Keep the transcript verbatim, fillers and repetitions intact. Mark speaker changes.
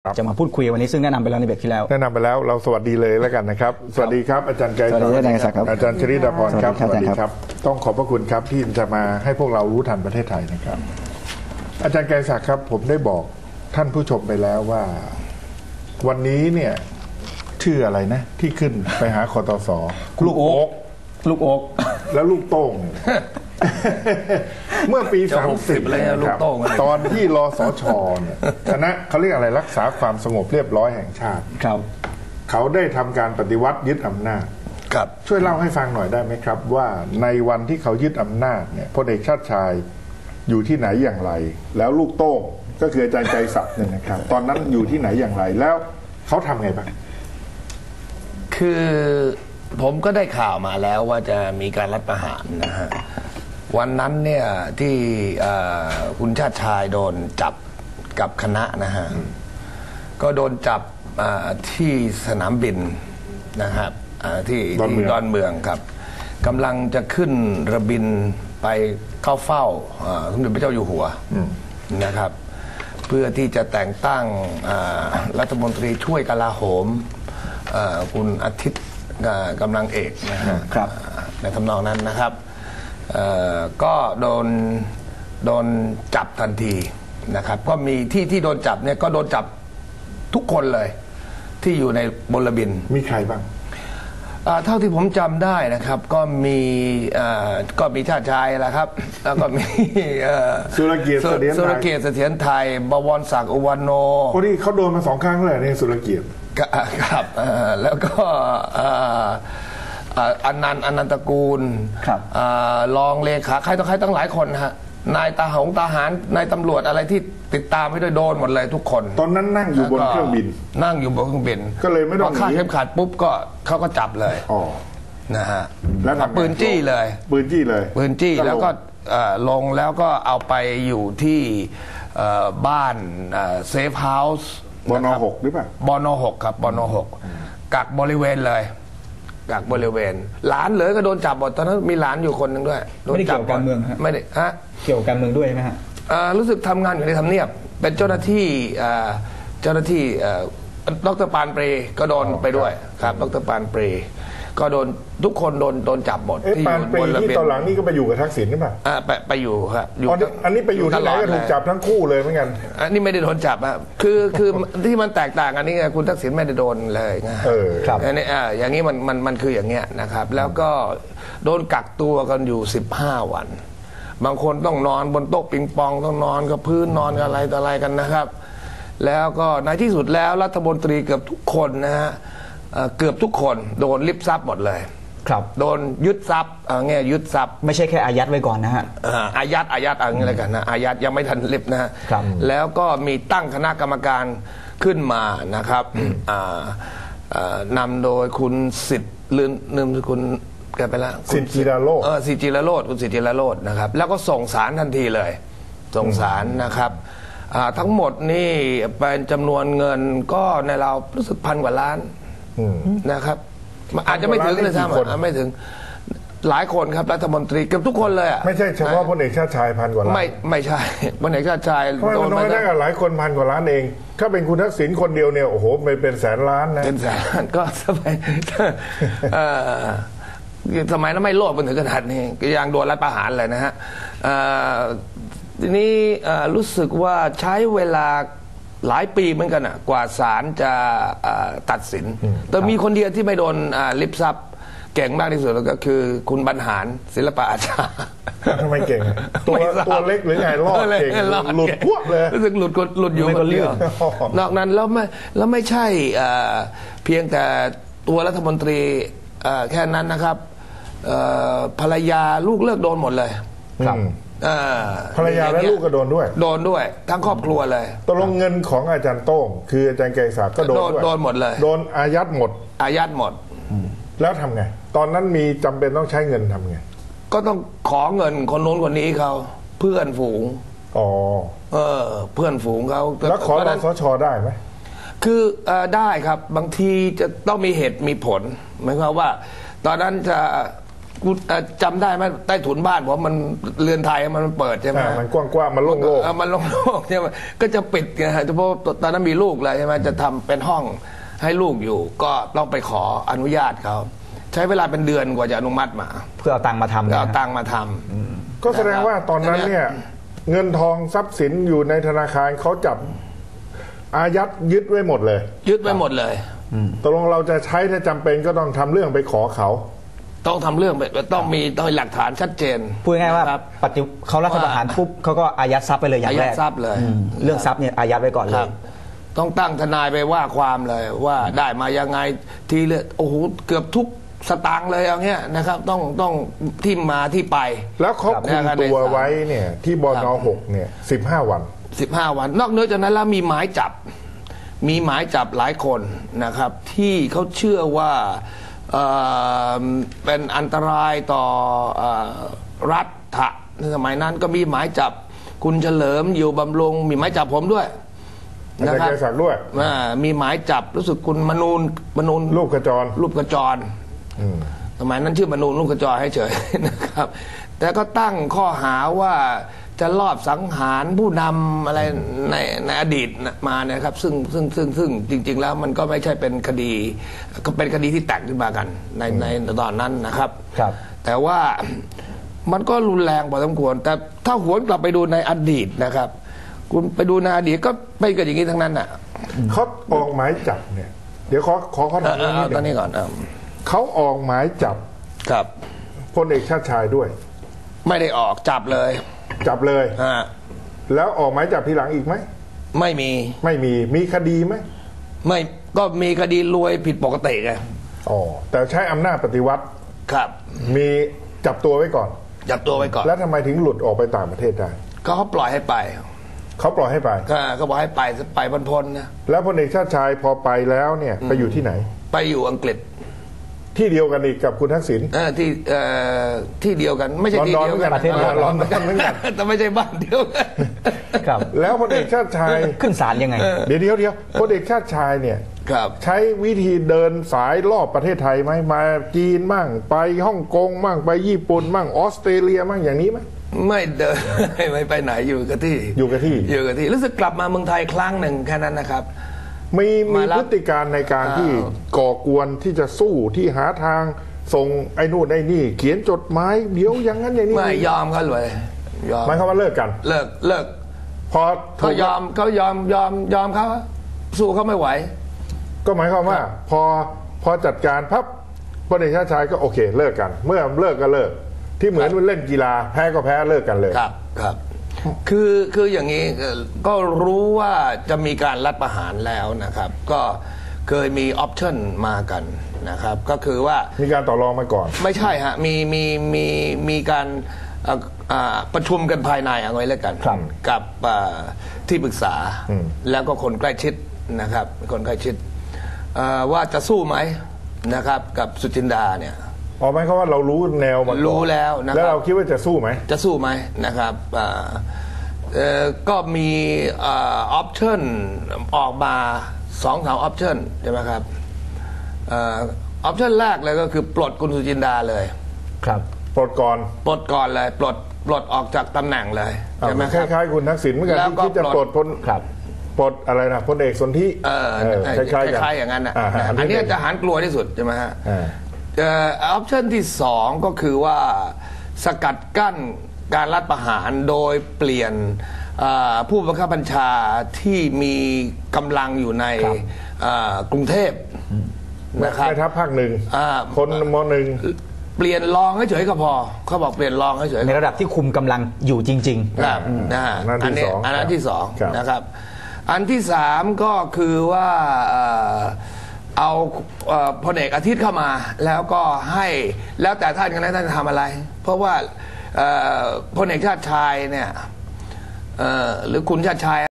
Speaker 1: จะมาพูดคุยวันนี้ซึ่งแนะนำไปแล้วในเบรกที่แล้ว
Speaker 2: แนะนำไปแล้วเราสวัสดีเลยแล้วกันนะครับสวัสดีครับอาจารย์ไกรศักดิ์อาจารย์ชริดาพรครับสวัสดีครับต้องขอบพระคุณครับที่จะมาให้พวกเรารู้ทันประเทศไทยนะครับอาจารย์ไกรศักดิ์ครับผมได้บอกท่านผู้ชมไปแล้วว่าวันนี้เนี่ยชื่ออะไรนะที่ขึ้นไปหาคตส.ลูกโอ๊ก
Speaker 1: ลูกโอ๊ก
Speaker 2: แล้วลูกโต้งเมื่อปีสามสิบเลยครับตอนที่รสช.เนี่ยคณะเขาเรียกอะไรรักษาความสงบเรียบร้อยแห่งชาติ
Speaker 1: ครับ
Speaker 2: เขาได้ทำการปฏิวัติยึดอำนาจ
Speaker 1: ครับ
Speaker 2: ช่วยเล่าให้ฟังหน่อยได้ไหมครับว่าในวันที่เขายึดอำนาจเนี่ยพลเอกชาติชายอยู่ที่ไหนอย่างไรแล้วลูกโต้งก็คืออาจารย์ไกรศักดิ์เนี่ยนะครับตอนนั้นอยู่ที่ไหนอย่างไรแล้วเขาทำไงบ้าง
Speaker 3: คือผมก็ได้ข่าวมาแล้วว่าจะมีการรัฐประหารนะฮะวันนั้นเนี่ยที่คุณชาติชายโดนจับกับคณะนะฮะก็โดนจับที่สนามบินนะครับที่ที่ดอนเมืองครับกำลังจะขึ้นระบินไปเข้าเฝ้าสมเด็จพระเจ้าอยู่หัวนะครับเพื่อที่จะแต่งตั้งรัฐมนตรีช่วยกลาโหมคุณอาทิตย์กำลังเอกนะครับในทำนองนั้นนะครับก็โดนโดนจับทันทีนะครับก็มีที่ที่โดนจับเนี่ยก็โดนจับทุกคนเลยที่อยู่ในบนระบิน
Speaker 2: มีใครบ้าง
Speaker 3: เท่าที่ผมจำได้นะครับก็มีก็มีชาติชายแหละครับแล้วก็มี
Speaker 2: สุรเกียรติเสถียรไทย
Speaker 3: สุรเกียรติเสถียรไทยบวรศักดิ์อุวันโน
Speaker 2: พอดีเขาโดนมาสองครั้งเลยนี่สุรเกียรติ
Speaker 3: ครับแล้วก็อนันต์อนันตกูลรองเลขาใครต่อใครตั้งหลายคนฮะนายตาหงทหารนายตำรวจอะไรที่ติดตามไม่ได้โดนหมดเลยทุกคน
Speaker 2: ตอนนั้นนั่งอยู่บนเครื่องบิน
Speaker 3: นั่งอยู่บนเครื่องบิน
Speaker 2: ก็เลยไม่ต้อง
Speaker 3: พอคาดเข็มขัดปุ๊บก็เขาก็จับเลยนะฮะแล้วปืนจี้เลย
Speaker 2: ปืนจี้เลย
Speaker 3: ปืนจี้แล้วก็ลงแล้วก็เอาไปอยู่ที่บ้านเซฟเฮาส์
Speaker 2: บนหกหรือเปล่า
Speaker 3: บนหกครับบนหกกักบริเวณเลยกักบริเวณหลานเลยก็โดนจับหมดตอนนั้นมีหลานอยู่คนหนึ่งด้วย
Speaker 1: ไม่ได้เกี่ยวกับการเมืองฮะ
Speaker 3: ไม่ได้ฮะ
Speaker 1: เกี่ยวกับการเมืองด้วยไหมฮะ
Speaker 3: รู้สึกทำงานอยู่ในทำเนียบเป็นเจ้าหน้าที่เจ้าหน้าที่ดร.ปานเปรก็โดนไปด้วยครับดร.ปานเปรก็โดนทุกคนโดนโดนจับหมด
Speaker 2: ที่อยู่บนระเบียงที่ตอนหลังนี่ก็ไปอยู่กับทักษิณหรือเปล่า
Speaker 3: อ่าไปไปอยู่ครับ
Speaker 2: อันนี้ไปอยู่ที่ไหนก็ถูกจับทั้งคู่เลยเหมือนกัน
Speaker 3: อันนี้ไม่ได้โดนจับอ่ะคือคือที่มันแตกต่างอันนี้คุณทักษิณไม่ได้โดนเลยไง
Speaker 2: เออครับ
Speaker 3: อันนี้อ่าอย่างนี้มันมันมันคืออย่างเงี้ยนะครับแล้วก็โดนกักตัวกันอยู่สิบห้าวันบางคนต้องนอนบนโต๊ะปิงปองต้องนอนกับพื้นนอนกับอะไรต่ออะไรกันนะครับแล้วก็ในที่สุดแล้วรัฐมนตรีเกือบทุกคนนะฮะเกือบทุกคนโดนลิบทรัพย์หมดเลย
Speaker 1: ครับ
Speaker 3: โดนยึดทรัพย์เงี้ยยึดทรัพย์
Speaker 1: ไม่ใช่แค่อายัดไว้ก่อนนะฮะ
Speaker 3: อายัดอายัดอะไรกันนะอายัดยังไม่ทันลิบนะฮะแล้วก็มีตั้งคณะกรรมการขึ้นมานะครับนำโดยคุณสิทธิ์ลืมลืมคุณแกไปแล้ว
Speaker 2: สิทธิ์จิรโรจน์
Speaker 3: เออสิทธิ์จิรโรจน์คุณสิทธิ์จิรโรจน์นะครับแล้วก็ส่งสารทันทีเลยส่งสารนะครับทั้งหมดนี่เป็นจำนวนเงินก็ในเรารู้สึกพันกว่าล้านนะครับอาจจะไม่ถึงเลยซ้ำไม่ถึงหลายคนครับรัฐมนตรีเกือบทุกคนเลยอ่ะ
Speaker 2: ไม่ใช่เฉพาะพลเอกชาติชายพันกว่าล้าน
Speaker 3: ไม่ไม่ใช่พลเอกชาติชาย
Speaker 2: โดนมาได้กับหลายคนพันกว่าล้านเองถ้าเป็นคุณทักษิณคนเดียวเนี่ยโอ้โหไม่เป็นแสนล้านนะ
Speaker 3: เป็นแสนก็สมัยสมัยนั้นไม่โลภกันถึงขนาดนี้ก็ยังโดนรัฐประหารเลยนะฮะทีนี้รู้สึกว่าใช้เวลาหลายปีเหมือนกันอ่ะกว่าศาลจะตัดสินแต่มีคนเดียวที่ไม่โดนลิบทรัพย์เก่งมากที่สุดก็คือคุณบรรหารศิลปะอาชา
Speaker 2: ทำไมเก่งตัวตัวเล็กหรือไงรอดเก่งหลุดพวกเลย
Speaker 3: รู้สึกหลุดหลุดอยู่คนเดียวนอกนั้นแล้วไม่แล้วไม่ใช่เพียงแต่ตัวรัฐมนตรีแค่นั้นนะครับภรรยาลูกเลิกโดนหมดเลย
Speaker 2: ครับภรรยาและลูกก็โดนด้วย
Speaker 3: โดนด้วยทั้งครอบครัวเลย
Speaker 2: ตกลงเงินของอาจารย์โต้งคืออาจารย์ไกรศักดิ์ก็โดนด้วย
Speaker 3: โดนหมดเลย
Speaker 2: โดนอายัดหมด
Speaker 3: อายัดหมด
Speaker 2: แล้วทำไงตอนนั้นมีจำเป็นต้องใช้เงินทำไง
Speaker 3: ก็ต้องขอเงินคนโน้นคนนี้เขาเพื่อนฝูง
Speaker 2: อ๋อ
Speaker 3: เออเพื่อนฝูงเขา
Speaker 2: แล้วขอรสช.ได้ไหม
Speaker 3: คือได้ครับบางทีจะต้องมีเหตุมีผลหมายความว่าตอนนั้นจะกูจำได้ไหมใต้ถุนบ้านผมมันเรือนไทยมันเปิดใช่ไหม
Speaker 2: มันกว้างๆมันโล่งๆ
Speaker 3: มันโล่งๆใช่ไหมก็จะปิดไงฮะเพราะตอนนั้นมีลูกเลยใช่ไหมจะทำเป็นห้องให้ลูกอยู่ก็ต้องไปขออนุญาตเขาใช้เวลาเป็นเดือนกว่าจะอนุมัติมา
Speaker 1: เพื่อเอาตังค์มาทำ
Speaker 3: เอาตังค์มาทำ
Speaker 2: ก็แสดงว่าตอนนั้นเนี่ยเงินทองทรัพย์สินอยู่ในธนาคารเขาจับอายัดยึดไว้หมดเลย
Speaker 3: ยึดไว้หมดเลย
Speaker 2: ตกลงเราจะใช้ถ้าจำเป็นก็ต้องทำเรื่องไปขอเขา
Speaker 3: ต้องทำเรื่องต้องมีต้องมีหลักฐานชัดเจน
Speaker 1: พูดง่ายว่าปฏิเขารัฐประหารปุ๊บเขาก็อายัดทรัพย์ไปเลยอย่างแรก
Speaker 3: อายัดทรัพย์เลย
Speaker 1: เรื่องทรัพย์เนี่ยอายัดไว้ก่อนเลย
Speaker 3: ต้องตั้งทนายไปว่าความเลยว่าได้มายังไงทีเลยโอ้โหเกือบทุกสตางค์เลยอย่างเงี้ยนะครับต้องต้องที่มาที่ไป
Speaker 2: แล้วเขาคุมตัวไว้เนี่ยที่บน.หกเนี่ยสิบห้าวัน
Speaker 3: สิบห้าวันนอกเหนือจากนั้นแล้วมีหมายจับมีหมายจับหลายคนนะครับที่เขาเชื่อว่าเอ่อเป็นอันตรายต่อเอ่อรัฐะในสมัยนั้นก็มีหมายจับคุณเฉลิมอยู่บำรุงมีหมายจับผมด้วย
Speaker 2: นะครับด้วย
Speaker 3: มีหมายจับรู้สึกคุณมนูนมนูน
Speaker 2: รูปกระจร
Speaker 3: รูปกระจรสมัยนั้นชื่อมนูนรูปกระจรให้เฉยนะครับแต่ก็ตั้งข้อหาว่าจะลอบสังหารผู้นำอะไรในในอดีตมานะครับซึ่งซึ่งซึ่งซึ่งจริงๆแล้วมันก็ไม่ใช่เป็นคดีก็เป็นคดีที่แต่งขึ้นมากันในในตอนนั้นนะครับ
Speaker 1: ครับ
Speaker 3: แต่ว่ามันก็รุนแรงพอสมควรแต่ถ้าหวนกลับไปดูในอดีตนะครับคุณไปดูในอดีตก็ไม่เกิดอย่างนี้ทั้งนั้นอ่ะ
Speaker 2: เขาออกหมายจับเนี่ยเดี๋ยวขอขอขอถามเรื่องนี้
Speaker 3: ตอนนี้ก่อน
Speaker 2: เขาออกหมายจับ
Speaker 3: ครับ
Speaker 2: พลเอกชาติชายด้วย
Speaker 3: ไม่ได้ออกจับเลย
Speaker 2: จับเลย
Speaker 3: อ่า
Speaker 2: แล้วออกหมายจับทีหลังอีกไหม
Speaker 3: ไม่มี
Speaker 2: ไม่มีมีคดีไหม
Speaker 3: ไม่ก็มีคดีรวยผิดปกติไง
Speaker 2: อ๋อแต่ใช้อำนาจปฏิวัติ
Speaker 3: ครับ
Speaker 2: มีจับตัวไว้ก่อน
Speaker 3: จับตัวไว้ก่อน
Speaker 2: แล้วทำไมถึงหลุดออกไปต่างประเทศได้
Speaker 3: ก็เขาปล่อยให้ไป
Speaker 2: เขาปล่อยให้ไป
Speaker 3: ก็เขาบอกให้ไปไปพ้นๆนะ
Speaker 2: แล้วพลเอกชาติชายพอไปแล้วเนี่ยไปอยู่ที่ไหน
Speaker 3: ไปอยู่อังกฤษ
Speaker 2: ที่เดียวกันอีกกับคุณทักษิณ
Speaker 3: เออที่เอ่อที่เดียวกันไม่ใช่ที่เดียวกัน
Speaker 2: ประเทศลอนดอนเหมือนกัน
Speaker 3: แต่ไม่ใช่บ้านเดียวกัน
Speaker 2: ครับแล้วพลเอกชาติชาย
Speaker 1: ขึ้นศาลยังไง
Speaker 2: เดี๋ยวเดียวเดียวพลเอกชาติชายเนี่ยใช้วิธีเดินสายรอบประเทศไทยไหมมาจีนมั่งไปฮ่องกงมั่งไปญี่ปุ่นมั่งออสเตรเลียมั่งอย่างนี้ไหม
Speaker 3: ไม่เดินไม่ไปไหนอยู่กับที่
Speaker 2: อยู่กับที่
Speaker 3: อยู่กับที่รู้สึกกลับมาเมืองไทยครั้งหนึ่งแค่นั้นนะครับ
Speaker 2: มีมีพฤติการในการที่ก่อกวนที่จะสู้ที่หาทางส่งไอ้นู่นไอ้นี่เขียนจดหมายเดี๋ยวอย่างนั้นอย่างนี้
Speaker 3: ไม่ยอมเขาเลย
Speaker 2: ยอมหมายความว่าเลิกกัน
Speaker 3: เลิกเลิก
Speaker 2: พอ
Speaker 3: เขายอมเขายอมยอมยอมเขาสู้เขาไม่ไหว
Speaker 2: ก็หมายความว่าพอพอจัดการพับพลเอกชาติชายก็โอเคเลิกกันเมื่อเลิกก็เลิกที่เหมือนเล่นกีฬาแพ้ก็แพ้เลิกกันเลย
Speaker 3: ครับครับคือคืออย่างนี้ก็รู้ว่าจะมีการรัฐประหารแล้วนะครับก็เคยมีออปชั่นมากันนะครับก็คือว่า
Speaker 2: มีการต่อรองมาก่อน
Speaker 3: ไม่ใช่ฮะมีมีมีมีการประชุมกันภายในเอาไว้แล้วกันกับที่ปรึกษาแล้วก็คนใกล้ชิดนะครับคนใกล้ชิดว่าจะสู้ไหมนะครับกับสุจินดาเนี่ย
Speaker 2: อ๋อหมายความว่าเรารู้แนวมา
Speaker 3: รู้แล้วนะครับ
Speaker 2: แล้วเราคิดว่าจะสู้ไหม
Speaker 3: จะสู้ไหมนะครับก็มีออปชั่นออกมาสองสามออปชั่นใช่ไหมครับออปชั่นแรกเลยก็คือปลดคุณสุจินดาเลย
Speaker 2: ครับปลดก่อน
Speaker 3: ปลดก่อนเลยปลดปลดออกจากตำแหน่งเลย
Speaker 2: ใช่ไหมครับคล้ายๆคุณทักษิณเหมือนกันที่คิดจะปลดพ้น
Speaker 1: ครับ
Speaker 2: ปลดอะไรนะพลเอกสนธิ
Speaker 3: คล้ายๆอย่างนั้นนะอันนี้ทหารกลัวที่สุดใช่ไหมฮะออปชั่นที่สองก็คือว่าสกัดกั้นการรัฐประหารโดยเปลี่ยนผู้บังคับบัญชาที่มีกำลังอยู่ในกรุงเทพนะครับ
Speaker 2: ในทัพภาคหนึ่งคนมหนึ่ง
Speaker 3: เปลี่ยนรองให้เฉยก็พอเขาบอกเปลี่ยนรองให้เฉย
Speaker 1: ในระดับที่คุมกำลังอยู่จริง
Speaker 3: ๆครับนะอันนี้อันนั้นที่สองนะครับอันที่สามก็คือว่าเอาพลเอกอาทิตย์เข้ามาแล้วก็ให้แล้วแต่ท่านกันนะท่านจะทำอะไรเพราะว่าพลเอกชาติชายเนี่ยหรือคุณชาติชาย